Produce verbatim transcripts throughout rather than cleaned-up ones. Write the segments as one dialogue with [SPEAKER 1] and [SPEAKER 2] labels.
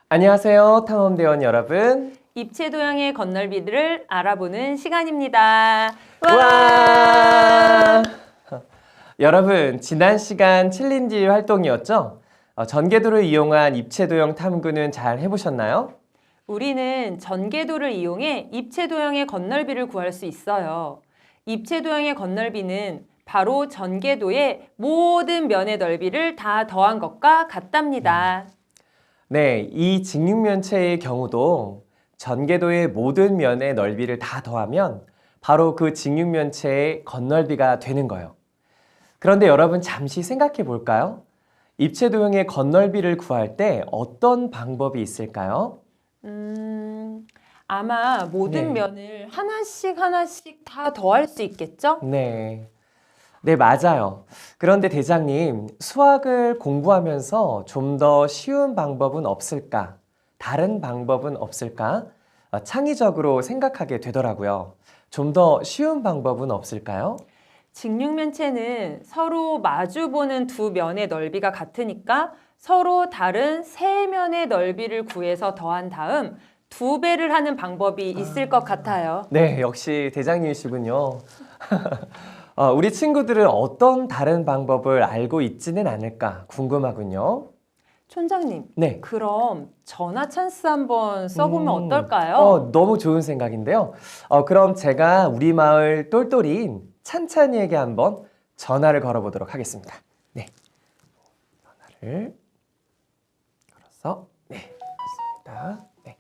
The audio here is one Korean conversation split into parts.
[SPEAKER 1] 안녕하세요, 탐험대원 여러분.
[SPEAKER 2] 입체 도형의 건널비를 알아보는 시간입니다.
[SPEAKER 1] 와! 와! 여러분, 지난 시간 챌린지 활동이었죠? 어, 전개도를 이용한 입체 도형 탐구는 잘 해보셨나요?
[SPEAKER 2] 우리는 전개도를 이용해 입체 도형의 건널비를 구할 수 있어요. 입체 도형의 건널비는 바로 전개도의 모든 면의 넓이를 다 더한 것과 같답니다.
[SPEAKER 1] 네, 이 직육면체의 경우도 전개도의 모든 면의 넓이를 다 더하면 바로 그 직육면체의 건널비가 되는 거예요. 그런데 여러분 잠시 생각해 볼까요? 입체 도형의 건널비를 구할 때 어떤 방법이 있을까요?
[SPEAKER 2] 음, 아마 모든
[SPEAKER 1] 네.
[SPEAKER 2] 면을 하나씩 하나씩 다 더할 수 있겠죠?
[SPEAKER 1] 네. 네, 맞아요. 그런데 대장님, 수학을 공부하면서 좀 더 쉬운 방법은 없을까? 다른 방법은 없을까? 어, 창의적으로 생각하게 되더라고요. 좀 더 쉬운 방법은 없을까요?
[SPEAKER 2] 직육면체는 서로 마주보는 두 면의 넓이가 같으니까 서로 다른 세 면의 넓이를 구해서 더한 다음 두 배를 하는 방법이 있을 것 같아요.
[SPEAKER 1] 네, 역시 대장님이시군요. 어, 우리 친구들은 어떤 다른 방법을 알고 있지는 않을까 궁금하군요.
[SPEAKER 2] 촌장님,
[SPEAKER 1] 네.
[SPEAKER 2] 그럼 전화 찬스 한번 써보면
[SPEAKER 1] 음,
[SPEAKER 2] 어떨까요?
[SPEAKER 1] 어, 너무 좋은 생각인데요. 어, 그럼 제가 우리 마을 똘똘이인 찬찬이에게 한번 전화를 걸어보도록 하겠습니다. 네. 전화를 걸어서, 네. 맞습니다. 네.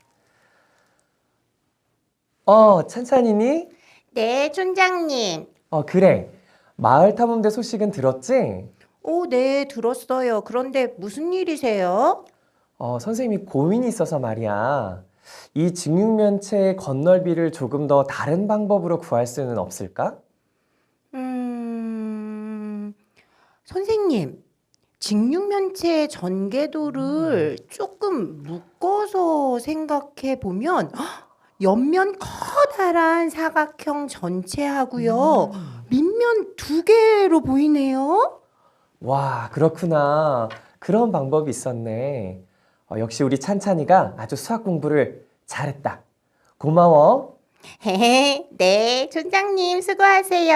[SPEAKER 1] 어, 찬찬이니?
[SPEAKER 3] 네, 촌장님.
[SPEAKER 1] 어, 그래. 마을 탐험대 소식은 들었지?
[SPEAKER 3] 오, 네, 들었어요. 그런데 무슨 일이세요?
[SPEAKER 1] 어, 선생님이 고민이 있어서 말이야. 이 직육면체의 건널비를 조금 더 다른 방법으로 구할 수는 없을까?
[SPEAKER 3] 음, 선생님, 직육면체의 전개도를 조금 묶어서 생각해 보면 옆면 커다란 사각형 전체하고요. 밑면 두 개로 보이네요.
[SPEAKER 1] 와, 그렇구나. 그런 방법이 있었네. 어, 역시 우리 찬찬이가 아주 수학 공부를 잘했다. 고마워.
[SPEAKER 3] 헤헤, 네, 촌장님 수고하세요.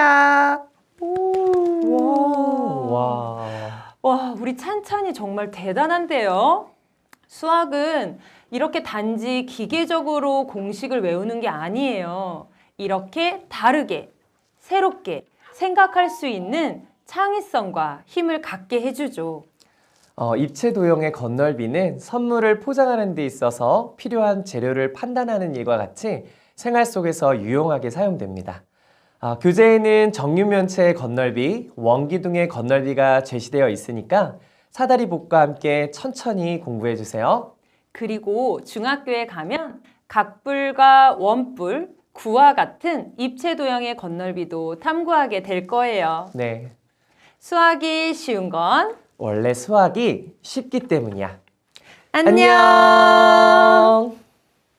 [SPEAKER 1] 와. 와.
[SPEAKER 2] 와, 우리 찬찬이 정말 대단한데요? 수학은 이렇게 단지 기계적으로 공식을 외우는 게 아니에요. 이렇게 다르게, 새롭게 생각할 수 있는 창의성과 힘을 갖게 해주죠.
[SPEAKER 1] 어, 입체 도형의 건널비는 선물을 포장하는 데 있어서 필요한 재료를 판단하는 일과 같이 생활 속에서 유용하게 사용됩니다. 아, 교재에는 정육면체의 건널비, 원기둥의 건널비가 제시되어 있으니까 사다리복과 함께 천천히 공부해 주세요.
[SPEAKER 2] 그리고 중학교에 가면 각불과 원불, 구와 같은 입체 도형의 건널비도 탐구하게 될 거예요.
[SPEAKER 1] 네,
[SPEAKER 2] 수학이 쉬운 건
[SPEAKER 1] 원래 수학이 쉽기 때문이야.
[SPEAKER 2] 안녕!
[SPEAKER 1] 안녕.